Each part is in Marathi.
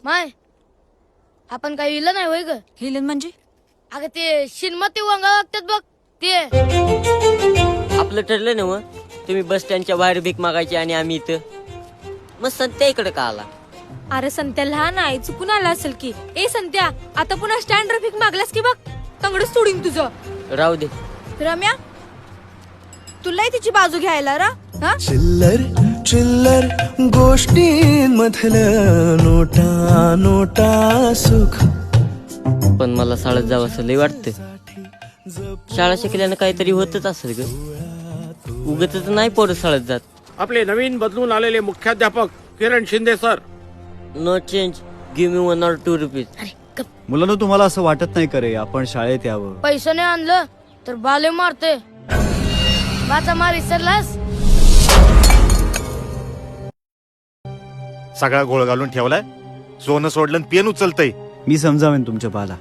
माय आपण काही इलं नाही होय ग. हिलन म्हणजे अगं ते शिनमती वंगा वागतात बघ ते. आपलं ठरलं ना मग तुम्ही बस स्टँडच्या बाहेर भीक मागायची आणि आम्ही इथं. मग संत्या इकडे का आला? अरे संत्या लहान आहे, चुकून आला असेल की. ए संत्या, आता पुन्हा स्टँड ट्रॅफिक मागलास की बघ तंगडच सोडीन तुझं. राहू दे. रम्या, तुलाही तिची बाजू घ्यायला रा. चिल्लर चिल्लर गोष्टींमधलं नोटा नोटा सुख. पण मला शाळेत जावं असं लय वाटतं. शाळा शिकल्यानं काहीतरी होतच असेल ग. उगतच नाही पोरं शाळेत जात. आपले नवीन बदलून आलेले मुख्याध्यापक Kiran Shinde sir. No change, give me 1 or 2 rupees. अरे गप. मुलांना तुम्हाला असं वाटत नाही करे आपण शाळेत यावं? पैसे नाही आणलं तर बाले मारते. बाचा मार विसरलास. सगळा गोळ घालून ठेवलाय. सोनं सोडलं पेन उचलतय. मी समजावेन तुमच्या बाला.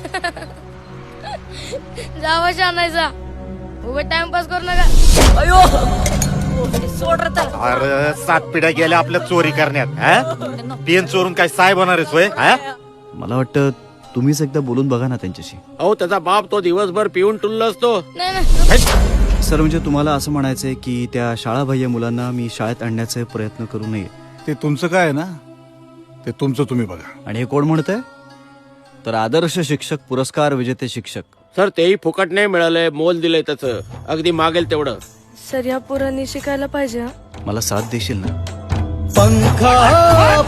जावा आणायचा उभे टाइमपास करू नका. अयो सोड रे त्याला. अरे 7 पिढ्या गेल्या आपल्या चोरी करण्यात. पेन चोरून काय साहेब होणार आहेस होय? मला वाटतं तुम्हीच एकदा बोलून बघा ना त्यांच्याशी. अहो त्याचा बाप तो दिवसभर पिऊन टुल्ल असतो. नाही नाही सर म्हणजे तुम्हाला असं म्हणायचंय की त्या शाळाबाह्य मुलांना मी शाळेत आणण्याचे प्रयत्न करू नये. ते तुमचं काय आहे ना, ते तुमचं तुम्ही बघा. आणि हे कोण म्हणतंय? तर आदर्श शिक्षक पुरस्कार विजेते शिक्षक. सर तेही फुकट नाही मिळालंय, मोल दिलंय त्याचं. अगदी मागेल तेवढं. सर या पोरांनी शिकायला पाहिजे. मला साथ देशील ना? पंखा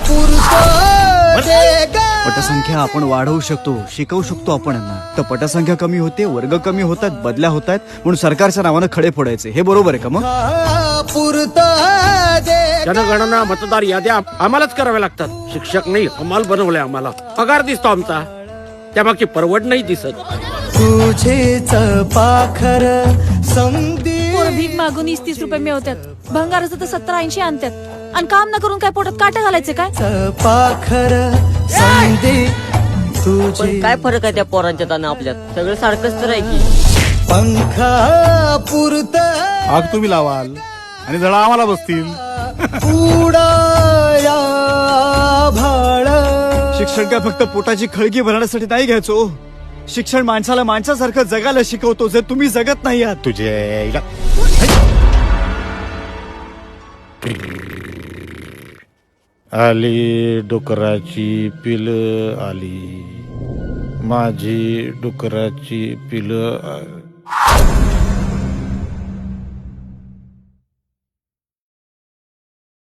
पटसंख्या आपण वाढवू शकतो, शिकवू शकतो आपण यांना. तर पटसंख्या कमी होते, वर्ग कमी होतात, बदल्या होत आहेत म्हणून सरकारच्या नावानं खडे फोडायचे. हे बरोबर आहे का मग? जनगणना मतदार याद्या आम्हालाच कराव्या लागतात. शिक्षक नाही हमाल बनवलंय आम्हाला. पगार दिसतो आमचा, त्यामागची परवड नाही दिसत. तुझेच पाखर समधी भीक मागून 30 रुपये मिळवतात. भंगाराचं तर 70-80 आणतात. आणि काम न करून काय पोटात काटा घालायचे काय? पाखर समधी पण तुझे काय फरक आहे त्या पोरांच्यात आणि आपल्यात? सगळं सारखंच तर आहे की. पंखा पुरत आग तुम्ही लावाल आणि जळा आम्हाला बसतील. उडाया भाळ. शिक्षण काय फक्त पोटाची खळगी भरण्यासाठी नाही घ्यायचो. शिक्षण माणसाला माणसासारखं जगायला शिकवतो, जे तुम्ही जगत नाही आहात. तुझे आली डुकराची पिल आली, माझी डुकराची पिल.